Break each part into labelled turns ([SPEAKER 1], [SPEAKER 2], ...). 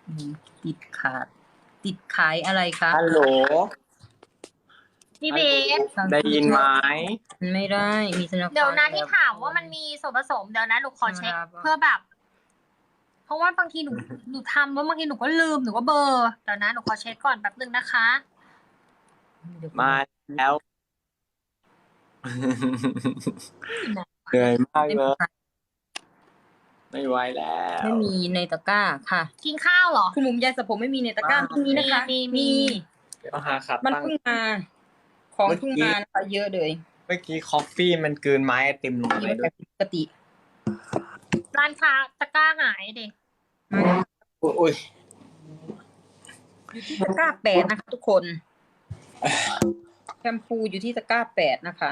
[SPEAKER 1] ติดขาดติดขายอะไรคะ
[SPEAKER 2] ฮัลโหล
[SPEAKER 3] พี่เบส
[SPEAKER 2] ได้ยินไหม
[SPEAKER 1] ไม่ได้มีธนาคาร
[SPEAKER 3] เดี๋ยวนะที่ถามว่ามันมีส่วนผสมเดี๋ยวนะหนูขอเช็คเพื่อแบบ เพราะว่าบางทีหนูทำแล้วบางทีหนูก็ลืมหนูก็เบลอร์เดี๋ยวนะหนูขอเช็คก่อนแป๊บนึงนะคะ
[SPEAKER 2] มาแล้วเหนื่อยมากเลยไม่ไหวแล้ว
[SPEAKER 1] ไม่มีในตะกร้าค่ะ
[SPEAKER 3] กินข้าวเหรอ
[SPEAKER 1] คุณหมุมยาสระผมไม่มีในตะกร้าไม่มีนะคะ
[SPEAKER 3] มี
[SPEAKER 2] เดี๋ยวหาขับ
[SPEAKER 1] มัน
[SPEAKER 2] ตั้ง
[SPEAKER 1] เพิ่งมาของเพิ่งมานะคะเยอะเลย
[SPEAKER 2] เมื่อกี้คอฟฟี่มันกลืนไม้ไอติมลงไปด้วย
[SPEAKER 1] ปกติ
[SPEAKER 3] ร้านค้าตะกร้าหายเด็ก
[SPEAKER 2] อุ้ย
[SPEAKER 1] ตะกร้า8นะคะทุกคนแชมพูอยู่ที่ตะกร้า8นะคะ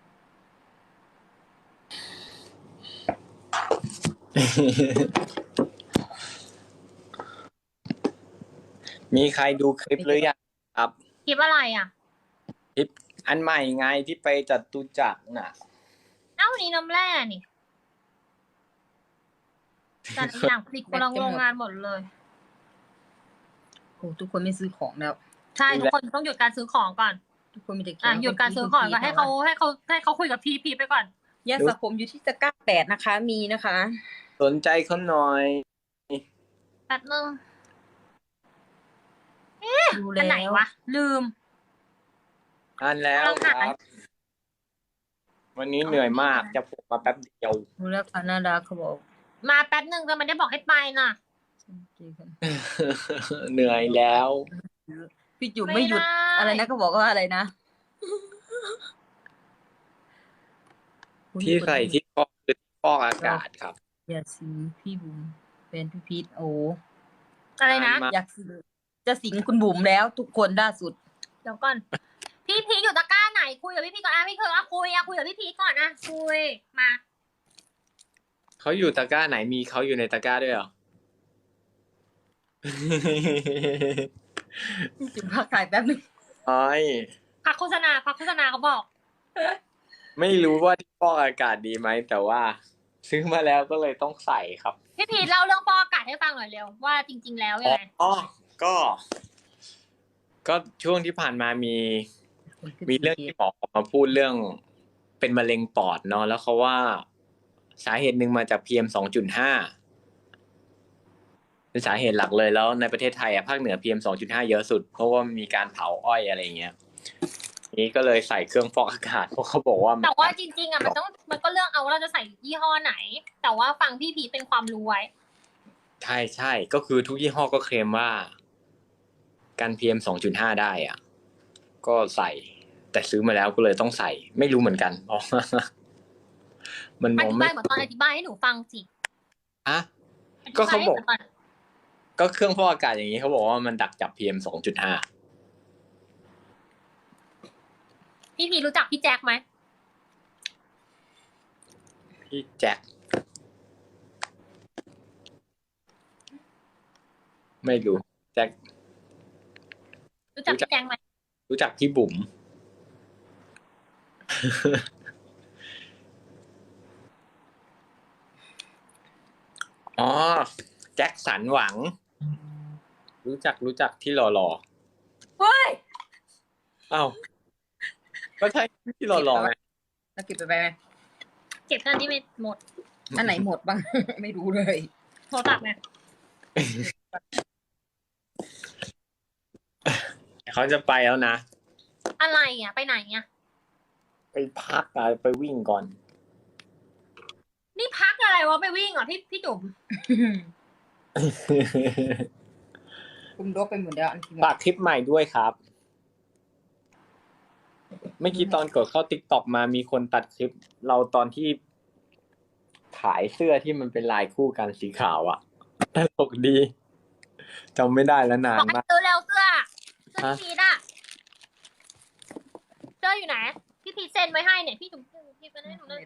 [SPEAKER 2] มีใครดูคลิปหรือยังครับ
[SPEAKER 3] คลิปอะไรอ่ะ
[SPEAKER 2] คลิปอันใหม่ไงที่ไปจตุจักรน่ะ
[SPEAKER 3] เอ้านี่น้ำแร่นี่แต่ละอย่างผลิตคนละโรงงานหมดเลย
[SPEAKER 1] โอ้ทุกคนไม่ซื้อของแล้ว
[SPEAKER 3] ใช่ทุกคนต้องหยุดการซื้อของก่อน
[SPEAKER 1] ทุกคนมีแต่
[SPEAKER 3] หยุดการซื้อของก่อนให้เขาคุยกับพีไปก่อน
[SPEAKER 1] ยาสระผมอยู่ที่ตะกร้า8นะคะ มีนะคะ
[SPEAKER 2] สนใจเขาหน่อย
[SPEAKER 3] แป๊บนึง
[SPEAKER 1] ดู
[SPEAKER 3] อั
[SPEAKER 1] แล้
[SPEAKER 3] นไหน
[SPEAKER 1] ว
[SPEAKER 3] วะลืม
[SPEAKER 2] อ่านแล้วครับ วันนี้เหนื่อยมากจะผมมาแป๊บเดียว
[SPEAKER 1] ดูแล้วค่ะน่ารักเขาบอก
[SPEAKER 3] มาแป๊บนึงแต่มันได้บอกให้ไปน่ะ
[SPEAKER 2] เหนื่อยแล้ว
[SPEAKER 1] พี่จุ๋มไม่หยุด
[SPEAKER 3] ไม่ได้
[SPEAKER 1] อะไรนะก็บอกว่าอะไรนะ
[SPEAKER 2] ที่ใส่ที่ฟอกคือที่ฟอกอากาศครับ
[SPEAKER 1] อย่าสิงพี่บุ๋มเป็นพี่พีทโอ้
[SPEAKER 3] อะไรนะ
[SPEAKER 2] มา
[SPEAKER 1] อยากสิงจะสิงคุณบุ๋มแล้วทุกคนล่าสุด
[SPEAKER 3] เดี๋ยวก่อน พี่พีอยู่ตะกร้าไหนคุยกับพี่พีก่อนพี่เคยคุยกับพี่พีก่อนคุยมา
[SPEAKER 2] เขาอยู่ตะกร้าไหนมีเขาอยู่ในตะกร้าด้วยเหรอ
[SPEAKER 1] จุ๋มพักถ่ายแป๊บนึง
[SPEAKER 2] อ้อย
[SPEAKER 3] พักโฆษณาเขาบอก
[SPEAKER 2] ไม่รู้ว่าที่ฟอกอากาศดีไหมแต่ว่าซื้อมาแล้วก็เลยต้องใส่ครับ
[SPEAKER 3] พี่พีเล่าเรื่องฟอกอากาศให้ฟังหน่อยเร็วว่าจริง ๆ แล้วยังไง
[SPEAKER 2] อ๋อก็ช่วงที่ผ่านมามีเรื่องที่หมอออกมาพูดเรื่องเป็นมะเร็งปอดเนาะแล้วเขาว่าสาเหตุหนึ่งมาจาก PM 2.5เป็นสาเหตุหลักเลยแล้วในประเทศไทยภาคเหนือ PM 2.5เยอะสุดเพราะว่ามีการเผาอ้อยอะไรเงี้ยนี้ก็เลยใส่เครื่องฟอกอากาศเพราะเขาบอกว่า
[SPEAKER 3] แต่ว่าจริงๆมันก็เลือกเอาว่าเราจะใส่ยี่ห้อไหน แต่ว่าฟังพี่พีเป็นความรู้ไว้
[SPEAKER 2] ใช่ก็คือทุกยี่ห้อก็เคลมว่ากัน PM 2.5ได้อ่ะก็ใส่แต่ซื้อมาแล้วก็เลยต้องใส่ไม่รู้เหมือนกันเพราะว่ามันม
[SPEAKER 3] อ
[SPEAKER 2] อง
[SPEAKER 3] ธิ
[SPEAKER 2] ไม่
[SPEAKER 3] บายเหมือนตอนอธิบายให้หนูฟังสิ
[SPEAKER 2] อะ
[SPEAKER 3] ธิ
[SPEAKER 2] ก็เขาบอก
[SPEAKER 3] ให้หนูฟัง
[SPEAKER 2] ก็เครื่องฟอกอากาศอย่างนี้เขาบอกว่ามันดักจับ PM 2.5
[SPEAKER 3] พี่พีรู้จักพี่แจ็คไหม
[SPEAKER 2] พี่แจ็คไม่รู้แจ็ค
[SPEAKER 3] รู้จักพี่แจ็คไหม
[SPEAKER 2] รู้จักพี่บุ๋ม อ๋อแจ็คสันหวัง รู้จักที่หล่อ
[SPEAKER 3] เฮ้ย
[SPEAKER 2] ๆอ้าวก็ใช่ที่หล่อๆไง
[SPEAKER 1] แล้วเก็บไปไหม
[SPEAKER 3] เก็บกันที่ไม่หมด
[SPEAKER 1] อันไหนหมดบ้าง ไม่รู้เลย
[SPEAKER 3] โทรศัพท์ไง
[SPEAKER 2] เขาจะไปแล้วนะ
[SPEAKER 3] อะไรไปไหน
[SPEAKER 2] ไปพักอะไปวิ่งก่อน
[SPEAKER 3] นี่พักอะไรวะไปวิ่งเหรอพี่จุ๋ม
[SPEAKER 1] คุมรกไปหมดแล้วอันที่
[SPEAKER 2] ฝากคลิปใหม่ด้วยครับ เมื่อกี้ตอนกดเข้า TikTok มามีคนตัดคลิป เราตอนที่ขายเสื้อที่มันเป็นลายคู่กันสีขาวอะตลกดีจำไม่ได้แล้วนา
[SPEAKER 3] บ
[SPEAKER 2] น
[SPEAKER 3] อกให้
[SPEAKER 2] มาก
[SPEAKER 3] ซื้อเร็วเสื้อพี่พีทเสื้ออยู่ไหนพี่พีทเซ็นไว้ให้เนี่ยพี่จุ๋มพี่ไปให้หนูเลย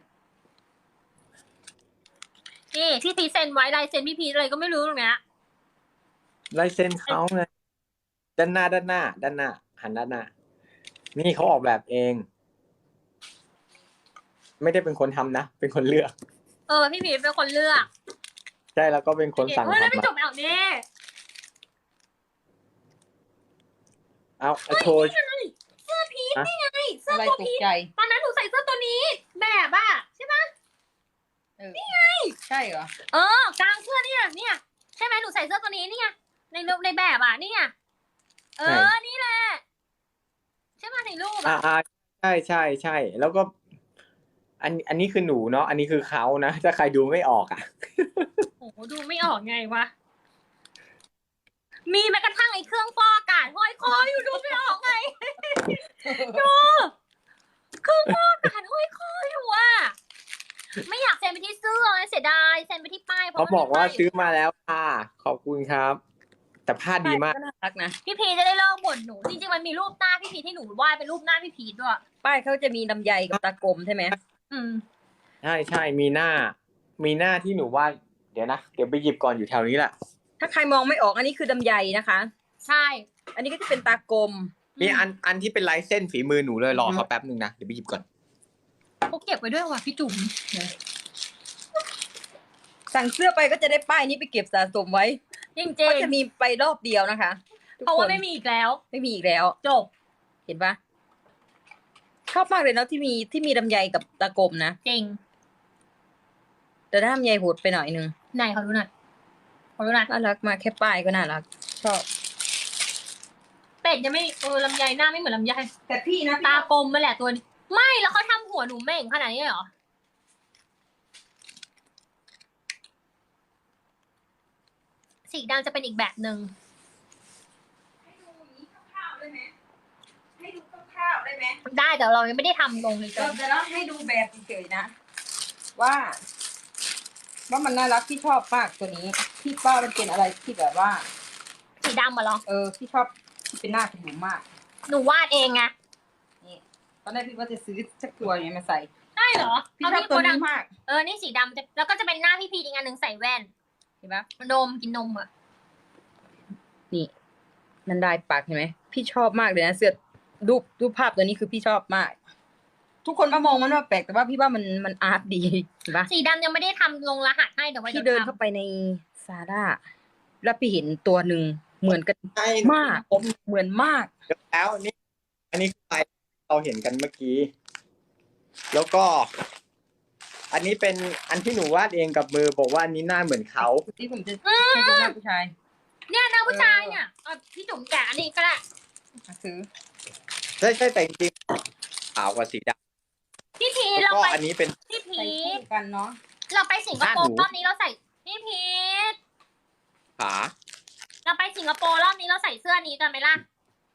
[SPEAKER 3] นี่พี่พีทเซ็นไว้ลายเซ็นพี่พีทอะไรก็ไม่รู้ตรงเนี้ย
[SPEAKER 2] ลายเซ็นเขาไงด้านหน้าหันด้านหน้านี่เขาออกแบบเอง ไม่ได้เป็นคนทำนะเป็นคนเลือก
[SPEAKER 3] พี่พีทเป็นคนเลือก
[SPEAKER 2] ใช่แล้วก็เป็นคนสั่ง
[SPEAKER 3] เฮ้ยแล้ว
[SPEAKER 2] ทำ
[SPEAKER 3] พี่
[SPEAKER 2] มา
[SPEAKER 3] จุ๋มเอานี่
[SPEAKER 2] เอาโชว์
[SPEAKER 3] เสื้อพีชนี่ไงเสื้อ
[SPEAKER 1] อะไร
[SPEAKER 3] ตัว
[SPEAKER 1] ตก
[SPEAKER 3] พีช
[SPEAKER 1] ใจ
[SPEAKER 3] ตอนนั้นหนูใส่เสื้อตัวนี้ แบบอะใช่ไหม
[SPEAKER 1] นี่ไงใช่เหรอ
[SPEAKER 3] กลางเสื้อเนี่ยใช่ไหมหนูใส่เสื้อตัวนี้นี่ไงในแบบอะนี่ไงนี่แหละใช่ไหมในรูปอะ
[SPEAKER 2] ใช่แล้วก็ อันนี้คือหนูเนาะอันนี้คือเขานะถ้าใครดูไม่ออกอ่ะ
[SPEAKER 3] โอ้โหดูไม่ออกไงวะมีแม้กระทั่งไอ้เครื่องฟอกอากาศห้อยคออยู่ดูไม่ออกไงดูเครื่องฟอกอากาศห้อยคออยู่อะไม่อยากเซ็นไปที่เสื้อเสียดายเซ็นไปที่ป้ายเพราะ
[SPEAKER 2] เขาบอกว่าซื้อมาแล้วค่ะขอบคุณครับ แต่ผ้าดีมาก
[SPEAKER 1] ก็น่ารักนะ
[SPEAKER 3] พี่พีจะได้เลิกบ่นหนูจริงๆมันมีรูปหน้าพี่พีที่หนูวาดเป็นรูปหน้าพี่พีด้วย
[SPEAKER 1] ป้ายเขาจะมีลำไยกับตากลมใช่ไหม
[SPEAKER 2] ใช่มีหน้าที่หนูว่าเดี๋ยวนะเดี๋ยวไปหยิบก่อนอยู่แถวนี้แหละ
[SPEAKER 1] ถ้าใครมองไม่ออกอันนี้คือลำไยนะคะ
[SPEAKER 3] ใช่
[SPEAKER 1] อันนี้ก็จะเป็นตากลม
[SPEAKER 2] มีอันที่เป็นลายเส้นฝีมือหนูเลยรอเขาแป๊บนึงนะเดี๋ยวไปหยิบก่อน
[SPEAKER 3] เขาเก็บไว้ด้วยว่ะพี่จุ๋ม
[SPEAKER 1] สั่งเสื้อไปก็จะได้ป้ายนี้ไปเก็บสะสมไว้
[SPEAKER 3] จริง
[SPEAKER 1] ก็จะมีไปรอบเดียวนะคะทุก
[SPEAKER 3] ๆเพราะ
[SPEAKER 1] ค
[SPEAKER 3] ว่าน ไม่มีอีกแล้ว
[SPEAKER 1] ไม่มีอีกแล้ว
[SPEAKER 3] จบ
[SPEAKER 1] เห็นปะชอบมากเลยเนาะที่มีลำไยกับตากลมนะ
[SPEAKER 3] จริง
[SPEAKER 1] แต่ถ้าลำไยโหดไปหน่อยนึง
[SPEAKER 3] ไหนเขาดูหน่อยเขาดูหน่อย
[SPEAKER 1] น่ารักมากแค่ป้ายก็น่ารักชอบ
[SPEAKER 3] เป็ดยังไม่ลำไยหน้าไม่เหมือนลำไย
[SPEAKER 1] แต่พี่นะ
[SPEAKER 3] ตากลมมาแหละตัวนี้ไม่แล้วเขาทำหัวหนูเม่งขนาดนี้เลยเหรอสีดำจะเป็นอีกแบบหนึ่ง
[SPEAKER 1] ให้ดูคร่าวๆได้ไหมให้ดูคร่าวๆได้ไหม
[SPEAKER 3] ได้แต่เรายังไม่ได้ทำลงเลยจ้ะ
[SPEAKER 1] เราจะเล่าให้ดูแบบเฉยๆนะ ว่ามันน่ารักที่ชอบมากตัวนี้ที่ป้ามันเป็นอะไรที่แบบว่า
[SPEAKER 3] สีดำมาหรอ
[SPEAKER 1] ที่ชอบที่เป็นหน้าคุณหนูมาก
[SPEAKER 3] หนูวาดเองไง
[SPEAKER 1] นี่ตอนแรกพี่ว่าจะซื้อสักตัวอย่างนี้มาใส่
[SPEAKER 3] ได้เหรอ
[SPEAKER 1] พี่ชอบตัวนี้มาก
[SPEAKER 3] นี่สีดำแล้วก็จะเป็นหน้าพี่พีอีกอันหนึ่งใส่แว่น
[SPEAKER 1] เห็นปะ
[SPEAKER 3] นมกินนมอ่ะ
[SPEAKER 1] นี่มันได้ปากเห็นไหมพี่ชอบมากเลยนะเสื้อรูปภาพตัวนี้คือพี่ชอบมาก ทุกคนมามองมันว่าแปลกแต่ว่าพี่ว่ามันอาร์ตดีเห็นปะ
[SPEAKER 3] สีดำยังไม่ได้ทำลงรหัสให้เดี๋ยวไว้
[SPEAKER 1] พี่
[SPEAKER 3] เดิ
[SPEAKER 1] เดิ
[SPEAKER 3] น
[SPEAKER 1] นเข้าไปในซาร่าแล้วพี่เห็นตัวหนึ่งเหมือนกันมากเหมือนมาก
[SPEAKER 2] แล้วนี่อันนี้คือลายเราเห็นกันเมื่อกี้ แล้วก็ อันนี้เป็นอันที่หนูวาดเองกับมือบอกว่าอันนี้หน้าเหมือนเขา
[SPEAKER 1] ที่ผมจะให้ดูหน้าผู้ชาย
[SPEAKER 3] เนี่ยหน้าผู้ชายเนี่ยพี่จุ๋มแกะอันนี้ก็ได้
[SPEAKER 1] ซื้อ
[SPEAKER 2] ใช่แต่จริงๆขาวกว่าสีด
[SPEAKER 3] พี่พี
[SPEAKER 2] ำแล้ว
[SPEAKER 3] เรา
[SPEAKER 2] ก็
[SPEAKER 3] ไป
[SPEAKER 2] อันนี้เป็น
[SPEAKER 3] พี่พี
[SPEAKER 1] ใส่คู่กันเนาะ
[SPEAKER 3] เราไปสิงคโปร์
[SPEAKER 2] หน้าหนู
[SPEAKER 3] รอบนี้เราใส่พี่พี
[SPEAKER 2] ขา
[SPEAKER 3] เราไปสิงคโปร์รอบนี้เราใส่เสื้อนี้กันไหมล่ะ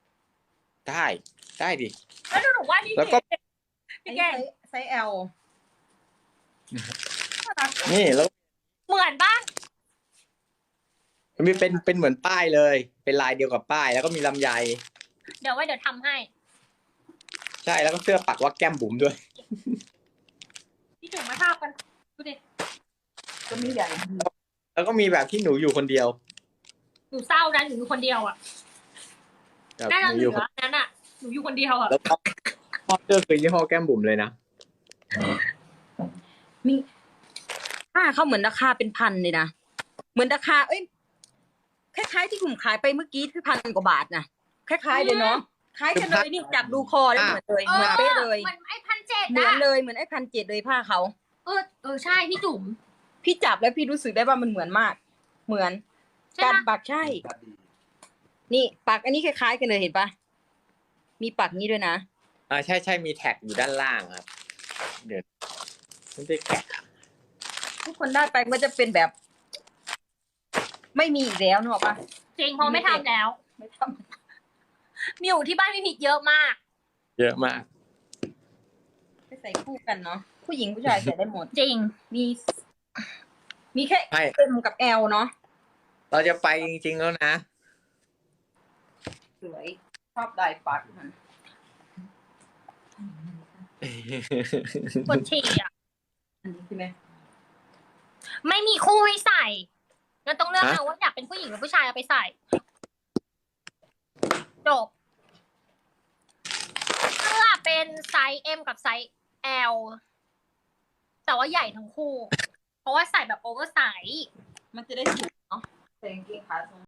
[SPEAKER 2] ได้ดิ
[SPEAKER 3] แล้วหนูว่าพี่
[SPEAKER 2] แล้วก็
[SPEAKER 3] พี
[SPEAKER 1] อัน
[SPEAKER 3] พี่
[SPEAKER 1] นี้
[SPEAKER 3] แก
[SPEAKER 1] ไซส์ L
[SPEAKER 2] นี่แล้ว
[SPEAKER 3] เหมือนปะ
[SPEAKER 2] มันมีเป็นเหมือนป้ายเลย เป็นลายเดียวกับป้าย แล้วก็มีลำไย
[SPEAKER 3] เดี๋ยวทำให้
[SPEAKER 2] ใช่แล้วก็เสื้อปักว่าแก้มบุ๋มด้วย
[SPEAKER 3] พี่จุ๋มมาทาบกันดูดิ
[SPEAKER 1] ก็มีใหญ่
[SPEAKER 2] แล้วก็มีแบบที่หนูอยู่คนเดียว
[SPEAKER 3] หนูเศร้านะหนูอยู่คนเดียวอ่ะ
[SPEAKER 2] แบบ
[SPEAKER 3] น่า
[SPEAKER 2] ห
[SPEAKER 3] จะ
[SPEAKER 2] นู
[SPEAKER 3] เห
[SPEAKER 2] อ
[SPEAKER 3] ลื
[SPEAKER 2] ยู่
[SPEAKER 3] อนั้นอ่ะหนูอยู่คนเดียวอ่ะ
[SPEAKER 2] แล้วก็พ่อเสื้อคือยี่ห้อแก้มบุ๋มเลยนะ
[SPEAKER 1] มีผ้าเขาเหมือนราคาเป็นพันเลยนะเหมือนราคาคล้ายๆที่ผมขายไปเมื่อกี้คือ1,000 กว่าบาทนะคล้ายๆเลยเนาะคล้ายกันเลยนี่จับดูคอแล้วเหมือนเลยเหมือนเป๊ะเลย
[SPEAKER 3] เหมือนไอ้1,700
[SPEAKER 1] เหมือน
[SPEAKER 3] อ่ะ
[SPEAKER 1] เลยเหมือนไอ้1,700เลยผ้าเขา
[SPEAKER 3] ใช่พี่จุ๋ม
[SPEAKER 1] พี่จับแล้วพี่รู้สึกได้ว่ามันเหมือนมาก เหมือน
[SPEAKER 3] ใช่
[SPEAKER 1] การ
[SPEAKER 3] ปะ
[SPEAKER 1] ปักใช่ นี่ปักอันนี้คล้ายๆกันเลยเห็นปะมีปักนี้ด้วยนะ
[SPEAKER 2] ใช่มีแท็กอยู่ด้านล่างครับ เดี๋ยวไม่ได้แกะ
[SPEAKER 1] ทุกคนได้ไปมันจะเป็นแบบ ไม่มีอีกแล้วนึกออกปะ
[SPEAKER 3] จริงเพราะไม่ทำแล้ว
[SPEAKER 1] ไม่ท
[SPEAKER 3] มีอยู่ที่บ้านพี่พีเยอะมาก
[SPEAKER 2] เยอะมาก
[SPEAKER 1] ำไปใส่คู่กันเนาะผู้หญิงผู้ชายใส่ได้หมด
[SPEAKER 3] จริง
[SPEAKER 1] มีแค่
[SPEAKER 2] ใช่
[SPEAKER 1] M กับ L เนาะ
[SPEAKER 2] เราจะไปจริงๆแล้วนะ
[SPEAKER 1] สวยชอบลายปักมัน
[SPEAKER 3] ปวดฉี่อ่ะ
[SPEAKER 1] อันนี้ใช่ไหม
[SPEAKER 3] ไม่มีคู่ให้ใส่งั้นต้องเลือก
[SPEAKER 2] ฮะ
[SPEAKER 3] เอาว่าอยากเป็นผู้หญิงหรือผู้ชายเอาไปใส่จบเสื้อเป็นไซส์ M กับไซส์ L แต่ว่าใหญ่ทั้งคู่ เพราะว่าใส่แบบโอเวอร์ไซส์
[SPEAKER 1] มันจะได้ถูกเนาะใส่กางเกงขาทรง